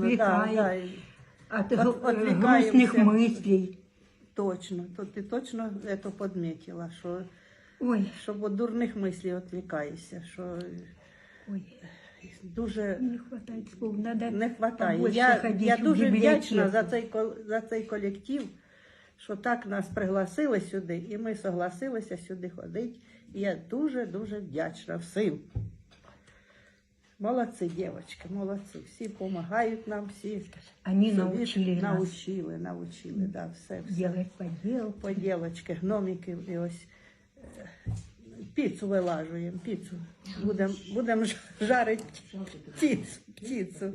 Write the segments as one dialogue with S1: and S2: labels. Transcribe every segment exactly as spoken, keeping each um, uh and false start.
S1: отвлекает
S2: да, і
S1: от,
S2: от-
S1: гл-
S2: отвлекаемся.
S1: грустных мыслей.
S2: Точно, то ти точно це підмітила, що,
S1: Ой,
S2: що від дурних мислів відвлікаєшся, що
S1: ой,
S2: дуже
S1: не хватает слов. Надо
S2: не вистачає.
S1: побольше
S2: Я,
S1: ходить
S2: я
S1: в
S2: дуже
S1: библиотеку.
S2: вдячна за цей, кол- за цей колектив, що так нас пригласили сюди, і ми согласилися сюди ходити. І я дуже-дуже вдячна всім. Молодці, дівчатки, молодці. Всі допомагають нам, всі
S1: Они
S2: собі
S1: научили нас
S2: научили, научили, да, все, все.
S1: делать поделки.
S2: Поділочки, гномики, і ось е, піцу вилажуємо, піцу. Будемо будем жарити птицю. птицю.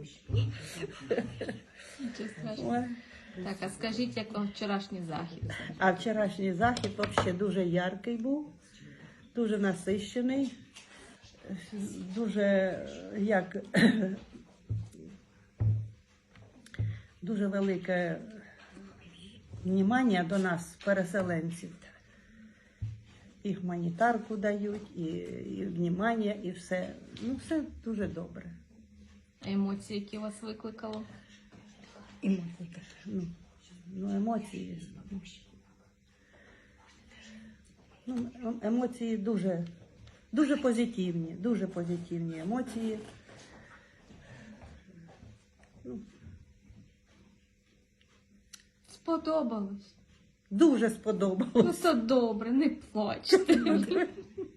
S3: Нічого страшного.
S2: Ой.
S3: Так, а скажіть, як вам вчорашній захід?
S2: А вчорашній захід взагалі дуже яркий був, дуже насищений, дуже як дуже велике внимання до нас, переселенців. І гуманітарку дають, і, і внимання, і все. Ну, все дуже добре.
S3: Емоції, які вас викликало?
S1: Эмоции.
S2: Ну, ну емоції. Ну, емоції дуже, дуже позитивні, дуже позитивні емоції. Ну,
S3: Сподобалось.
S2: дуже
S3: Ну
S2: сподобалось.
S3: то добре, не плачте.